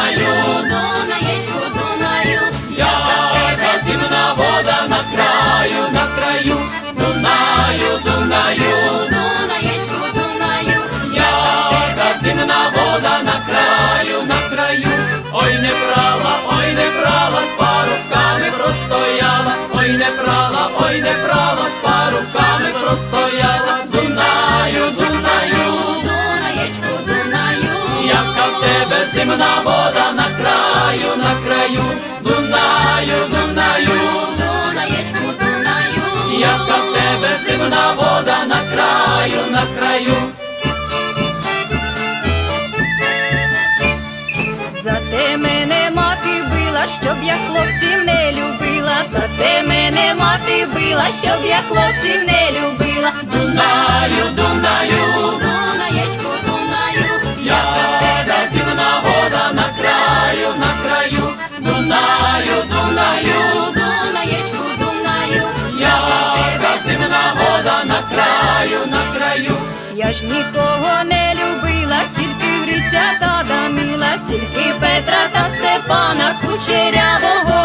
Дунаєчку, Дунаю, яка зимна вода на краю, на краю. Дунаю, Дунаю, Дунаєчку, Дунаю, яка зимна вода на краю, на краю. Ой, не брала, з парубками простояла. Ой, не брала, з парубками простояла. Дунаю, Дунаю, Дунаєчку, Дунаю, яка в тебе зимна вода на краю, на краю. Дунаю, Дунаю, Дунаєчку, Дунаю, яка в тебе зимна вода на краю, на краю. Зате мене мати била, щоб я хлопців не любила. Зате мене мати била, щоб я хлопців не любила. Дунаю, Дунаю, Дунаєчку, Дунаю, яка в тебе зимна вода на краю, на краю. Дунаю, Дунаю, Дунаєчку, Дунаю, яка зимна вода на краю, на краю. я ж нікого не любила, тільки Гриця та Данила, тільки Петра та Степана, Кучерявого